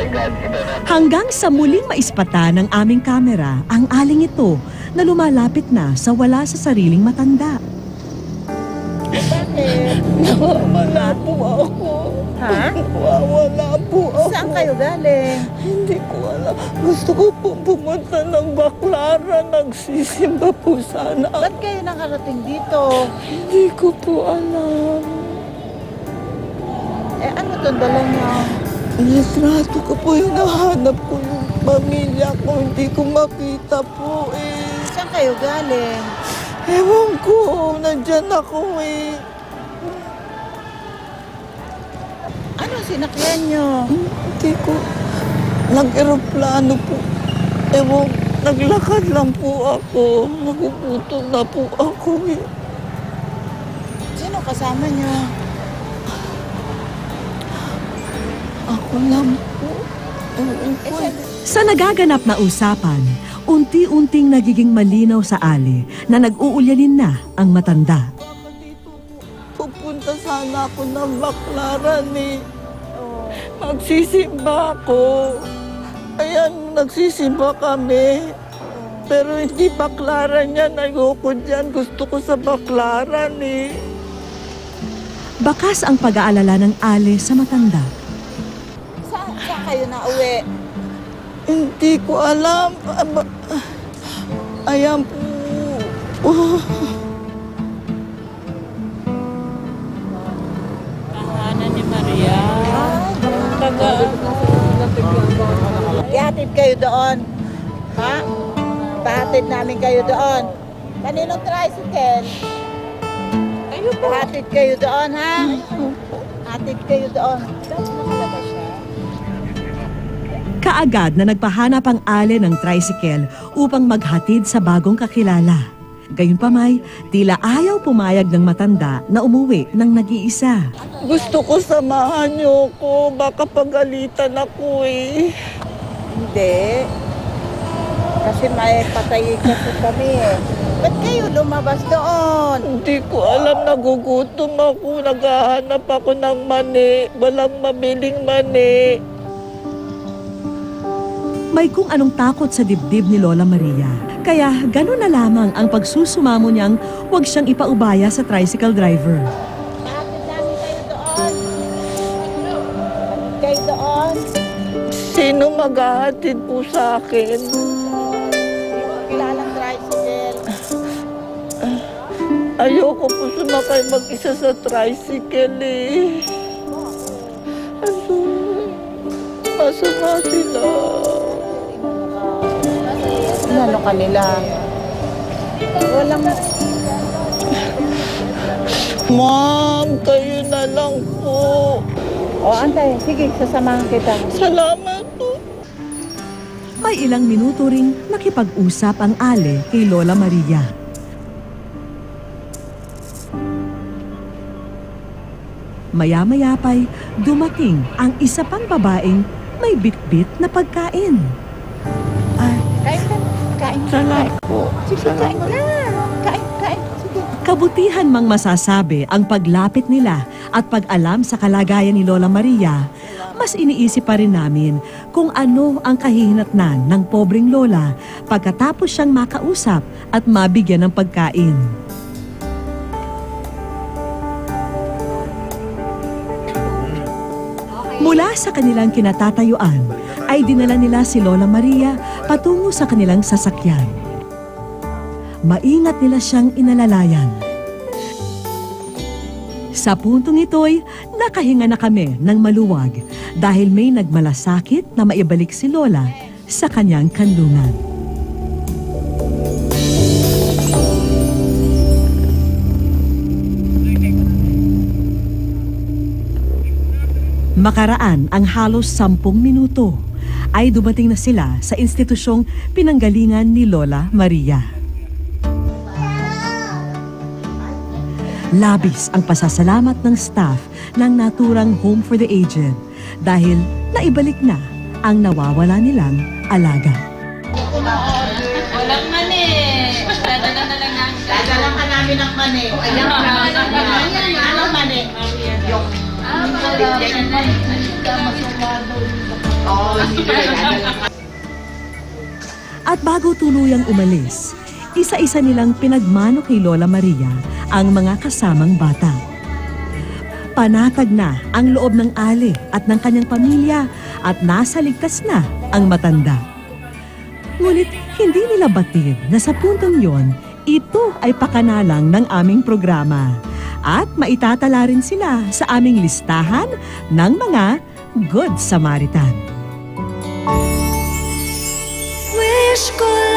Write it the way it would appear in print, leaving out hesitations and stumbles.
Hanggang sa muling maispata ng aming kamera ang aling ito na lumalapit na sa wala sa sariling matanda. Bakit? Nawawala po ako. Ha? Nawawala po ako. Saan kayo galing? Hindi ko alam. Gusto ko po pumunta ng Baclaran. Nagsisimba po sana. Ba't kayo nakarating dito? Hindi ko po alam. Ano itong dala niyo? Litrato ko po yung nahanap ko yung pamilya ko. Hindi ko makita po eh. Saan kayo galing? Ewan ko. Nandyan ako eh. Ano sinakyan niyo? Hindi ko. Nag-aeroplano po. Ewan, naglakad lang po ako. Nagugutom na po ako eh. Sino kasama niyo? Ako lang po. Ewan ko eh. Sa nagaganap na usapan, unti-unting nagiging malinaw sa Ali na nag-uulyanin na ang matanda. Baka dito po. Pupunta sana ako ng Baclaran eh. Magsisimba ako. Ayan, nagsisimba kami. Pero hindi Baclaran yan. Ayoko dyan. Gusto ko sa Baclaran eh. Bakas ang pag-aalala ng Ali sa matanda. Saan kayo nauwi? Hindi ko alam. Ayan po. Tahanan ni Maria. Ihatid kayo doon. Ha? Pahatid namin kayo doon. Kaninong tricycle? Kayo po. Pahatid kayo doon, ha? Hatid kayo doon. Kaagad na nagpahanap ang Ali ng tricycle upang maghatid sa bagong kakilala. Gayunpamay, tila ayaw pumayag ng matanda na umuwi ng nag-iisa. Gusto ko samahan niyo ko. Baka pagalitan ako eh. Hindi. Kasi may patay kasi kami eh. Ba't kayo lumabas doon? Hindi ko alam. Nagugutom ako. Naghahanap ako ng mani. Walang mabiling mani. May kung anong takot sa dibdib ni Lola Maria. Kaya gano'n na lamang ang pagsusumamo niyang huwag siyang ipaubaya sa tricycle driver. Hatid namin kayo doon. Kayo doon. Sino maghahatid po sa akin? Kilalang tricycle. Ayoko po sumakay mag-isa sa tricycle eh. Asa na sila? Ano kanila? Walang... Ma'am, kayo na lang po. O, antay. Sige, sasamahan kita. Salamat po. May ilang minuto ring nakipag-usap ang Ali kay Lola Maria. Maya-maya pa'y dumating ang isa pang babaeng may bitbit na pagkain. Kain ka. Kain. Salamat po. Sige, kain na. Kain. Sige. Kabutihan mang masasabi ang paglapit nila at pag-alam sa kalagayan ni Lola Maria, mas iniisip pa rin namin kung ano ang kahihinatnan ng pobreng Lola pagkatapos siyang makausap at mabigyan ng pagkain. Mula sa kanilang kinatatayuan, ay dinala nila si Lola Maria patungo sa kanilang sasakyan. Maingat nila siyang inalalayan. Sa puntong ito'y nakahinga na kami ng maluwag dahil may nagmalasakit na maibalik si Lola sa kanyang kanlungan. Makaraan ang halos 10 minuto ay dumating na sila sa institusyong pinanggalingan ni Lola Maria. Labis ang pasasalamat ng staff ng naturang Home for the Aged dahil naibalik na ang nawawala nilang alaga. Walang mani. Dadala na lang namin. Dadala ka namin ng mani. Ano mani? Yung... At bago tuluyang umalis, isa-isa nilang pinagmano kay Lola Maria ang mga kasamang bata. Panatag na ang loob ng Ali at ng kanyang pamilya at nasa ligtas na ang matanda. Ngunit hindi nila batid na sa puntong yon, ito ay pakanalang ng aming programa at maitatala rin sila sa aming listahan ng mga Good Samaritan. Wish ko